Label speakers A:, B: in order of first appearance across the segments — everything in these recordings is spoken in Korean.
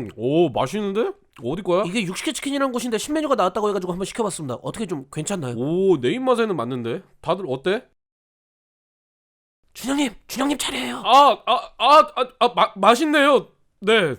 A: 오 맛있는데? 어디 거야?
B: 이게 육식회 치킨이라는 곳인데 신메뉴가 나왔다고 해가지고 한번 시켜봤습니다. 어떻게 좀 괜찮나요?
A: 오 내 입맛에는 맞는데. 다들 어때?
B: 준영님 차례예요.
A: 맛있네요. 네.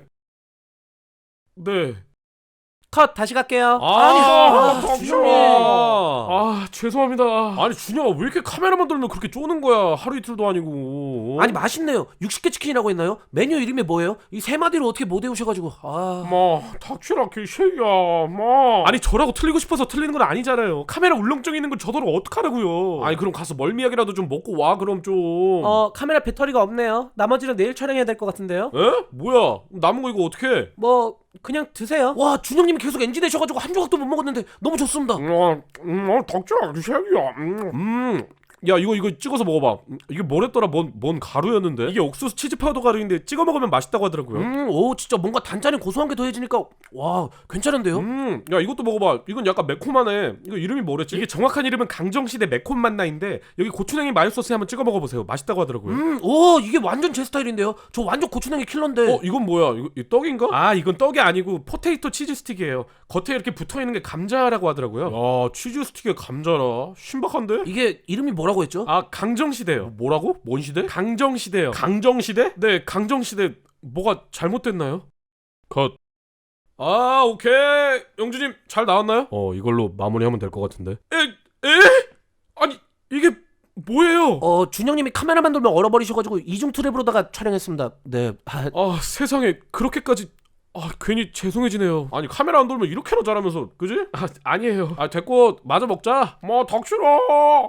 A: 네.
B: 컷 다시 갈게요.
A: 준영이. 죄송합니다. 아니 준영아 왜 이렇게 카메라만 들면 그렇게 쪼는 거야? 하루 이틀도 아니고.
B: 아니 맛있네요. 육식회 치킨이라고 했나요? 메뉴 이름이 뭐예요? 이 세 마디로 어떻게 못 외우셔가지고
A: 닥치라 개새야. 아니 저라고 틀리고 싶어서 틀리는 건 아니잖아요. 카메라 울렁증 있는 걸 저더러 어떡하라고요. 아니 그럼 가서 멀미약이라도 좀 먹고 와 그럼 좀.
B: 카메라 배터리가 없네요. 나머지는 내일 촬영해야 될 것 같은데요.
A: 에? 뭐야? 남은 거 이거 어떡해?
B: 뭐 그냥 드세요. 와 준영님이 계속 NG 되셔가지고 한 조각도 못 먹었는데 너무 좋습니다.
A: 닥치라 개새야. 야 이거 찍어서 먹어봐. 이게 뭐랬더라? 뭔 가루였는데? 이게 옥수수 치즈 파우더 가루인데 찍어 먹으면 맛있다고 하더라고요.
B: 오 진짜 뭔가 단짠이 고소한 게 더해지니까 와 괜찮은데요?
A: 야 이것도 먹어봐. 이건 약간 매콤하네. 이거 이름이 뭐랬지? 이게 정확한 이름은 강정시대 매콤 맛나인데 여기 고추냉이 마요 소스에 한번 찍어 먹어보세요. 맛있다고 하더라고요.
B: 오 이게 완전 제 스타일인데요. 저 완전 고추냉이 킬러인데.
A: 이건 뭐야? 이 떡인가? 이건 떡이 아니고 포테이토 치즈 스틱이에요. 겉에 이렇게 붙어있는 게 감자라고 하더라고요. 야 치즈 스틱에 감자라? 신박한데?
B: 이게 이름이 뭐라고 했죠?
A: 강정시대요. 뭐라고? 뭔 시대? 강정시대요. 강정시대? 네 강정시대. 뭐가 잘못됐나요? 컷. 오케이. 영주님 잘 나왔나요? 이걸로 마무리하면 될 것 같은데. 에? 아니 이게 뭐예요?
B: 준영님이 카메라만 돌면 얼어버리셔가지고 이중 트랩으로다가 촬영했습니다. 네.
A: 세상에 그렇게까지. 괜히 죄송해지네요. 아니 카메라 안 돌면 이렇게나 잘하면서 그지? 아니에요. 됐고 마저 먹자. 닥치라.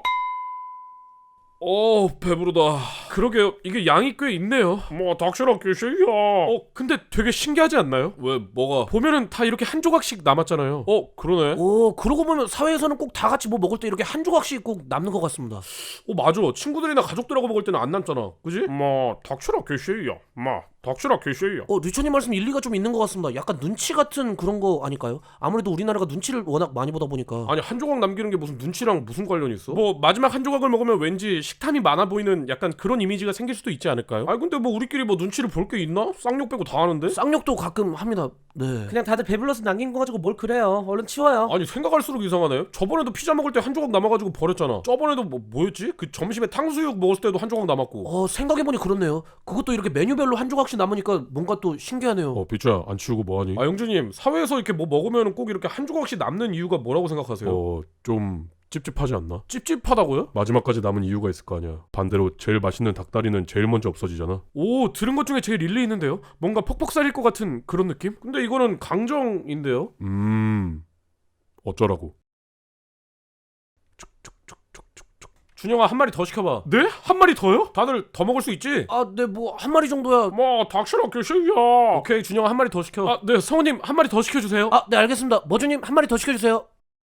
A: 배부르다. 그러게요. 이게 양이 꽤 있네요. 닥치라 개새야. 근데 되게 신기하지 않나요? 왜 뭐가? 보면은 다 이렇게 한 조각씩 남았잖아요. 그러네.
B: 그러고 보면 사회에서는 꼭 다 같이 뭐 먹을 때 이렇게 한 조각씩 꼭 남는 것 같습니다.
A: 맞아. 친구들이나 가족들하고 먹을 때는 안 남잖아. 그지? 닥치라 개새야. 닥치라 개새야.
B: 류천님 말씀 일리가 좀 있는 것 같습니다. 약간 눈치 같은 그런 거 아닐까요? 아무래도 우리나라가 눈치를 워낙 많이 보다 보니까.
A: 아니 한 조각 남기는 게 무슨 눈치랑 무슨 관련이 있어? 마지막 한 조각을 먹으면 왠지 식탐이 많아 보이는 약간 그런 이미지가 생길 수도 있지 않을까요? 근데 우리끼리 눈치를 볼 게 있나? 쌍욕 빼고 다 하는데?
B: 쌍욕도 가끔 합니다. 네. 그냥 다들 배불러서 남긴 거 가지고 뭘 그래요. 얼른 치워요.
A: 아니 생각할수록 이상하네. 저번에도 피자 먹을 때 한 조각 남아가지고 버렸잖아. 저번에도 뭐였지? 그 점심에 탕수육 먹을 때도 한 조각 남았고.
B: 생각해보니 그렇네요. 그것도 이렇게 메뉴별로 한 조각씩 남으니까 뭔가 또 신기하네요.
A: 비추야 안 치우고 뭐하니? 영주님 사회에서 이렇게 뭐 먹으면 꼭 이렇게 한 조각씩 남는 이유가 뭐라고 생각하세요? 좀 찝찝하지 않나? 찝찝하다고요? 마지막까지 남은 이유가 있을 거 아니야. 반대로 제일 맛있는 닭다리는 제일 먼저 없어지잖아. 들은 것 중에 제일 일리 있는데요? 뭔가 퍽퍽살일 것 같은 그런 느낌? 근데 이거는 강정인데요? 어쩌라고? 준영아 한 마리 더 시켜봐. 네? 한 마리 더요? 다들 더 먹을 수 있지?
B: 네 뭐 한 마리 정도야.
A: 닥치라 개새야. 오케이 준영아 한 마리 더 시켜. 네 성우님 한 마리 더 시켜주세요.
B: 네 알겠습니다. 머주님 한 마리 더 시켜주세요.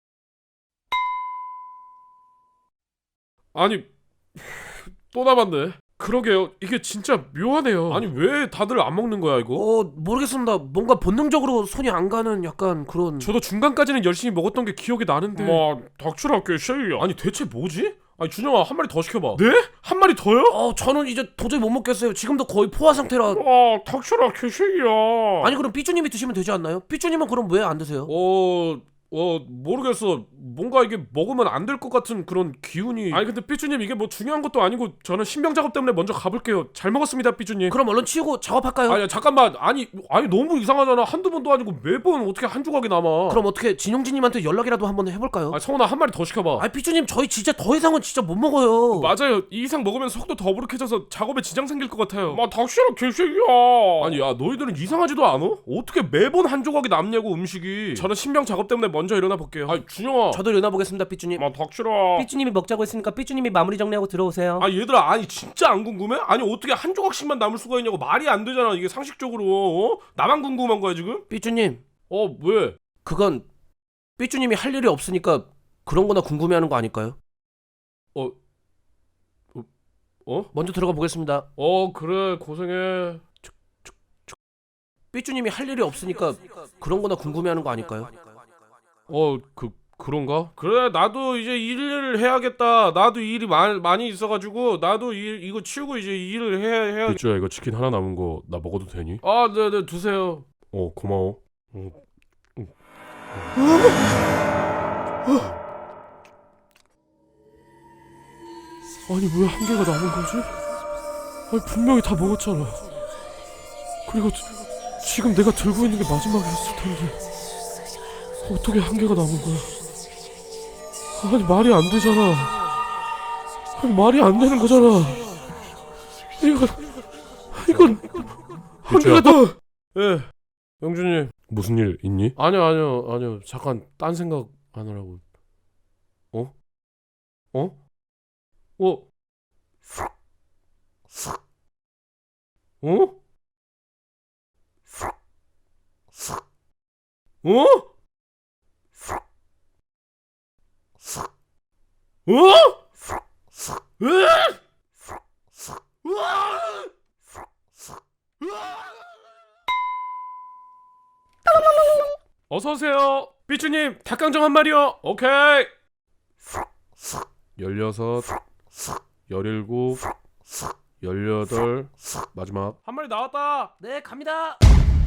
A: 아니 또 남았네. 그러게요. 이게 진짜 묘하네요. 아니 왜 다들 안 먹는 거야 이거?
B: 모르겠습니다. 뭔가 본능적으로 손이 안 가는 약간 그런.
A: 저도 중간까지는 열심히 먹었던 게 기억이 나는데. 닥치라 개새야. 아니 대체 뭐지? 준영아 한 마리 더 시켜봐. 네? 한 마리 더요?
B: 저는 이제 도저히 못 먹겠어요. 지금도 거의 포화 상태라.
A: 닥치라 개새야.
B: 아니 그럼 삐쭈님이 드시면 되지 않나요? 삐쭈님은 그럼 왜 안 드세요?
A: 모르겠어. 뭔가 이게 먹으면 안 될 것 같은 그런 기운이. 근데 삐쭈님 이게 뭐 중요한 것도 아니고 저는 신병 작업 때문에 먼저 가볼게요. 잘 먹었습니다 삐쭈님.
B: 그럼 얼른 치우고 작업할까요?
A: 잠깐만. 아니 너무 이상하잖아. 한두 번도 아니고 매번 어떻게 한 조각이 남아.
B: 그럼 어떻게 진용진님한테 연락이라도 한번 해볼까요?
A: 성훈아 한 마리 더 시켜봐.
B: 삐쭈님 저희 진짜 더 이상은 진짜 못 먹어요.
A: 맞아요. 이 이상 먹으면 속도 더부룩해져서 작업에 지장 생길 것 같아요. 닥치라 개새야. 아니 야 너희들은 이상하지도 않아? 어떻게 매번 한 조각이 남냐고 음식이. 저는 신병 작업 때문에 먼저 일어나 볼게요. 준영아.
B: 저도 일어나 보겠습니다 삐쭈님.
A: 닥치라.
B: 삐쭈님이 먹자고 했으니까 삐쭈님이 마무리 정리하고 들어오세요.
A: 얘들아 진짜 안 궁금해? 어떻게 한 조각씩만 남을 수가 있냐고. 말이 안 되잖아 이게 상식적으로. 나만 궁금한 거야 지금?
B: 삐쭈님.
A: 왜?
B: 그건 삐쭈님이 할 일이 없으니까 그런 거나 궁금해하는 거 아닐까요? 먼저 들어가 보겠습니다.
A: 그래 고생해.
B: 삐쭈님이 할 일이 없으니까 그런 거나 궁금해하는 거 아닐까요?
A: 그런가? 그래 나도 이제 일을 해야겠다. 나도 일이 많이 있어가지고 나도 이거 치우고 이제 일을 해야. 삐쭈야 이거 치킨 하나 남은 거 나 먹어도 되니? 네네 드세요. 고마워. 아니 왜 한 개가 남은 거지? 아니 분명히 다 먹었잖아. 그리고 지금 내가 들고 있는 게 마지막이었을 텐데 어떻게 한 개가 남은 거야? 아니 말이 안 되잖아. 아니 말이 안 되는 거잖아. 이건 한 개가 더. 예, 영준이 무슨 일 있니? 아니요. 잠깐 딴 생각 하느라고. 어? 어? 어? 어? 어? 어? 어서 오세요. 삐쭈님 닭강정 한 마리요. 오케이. 16, 17, 18 마지막 한 마리 나왔다.
B: 네, 갑니다.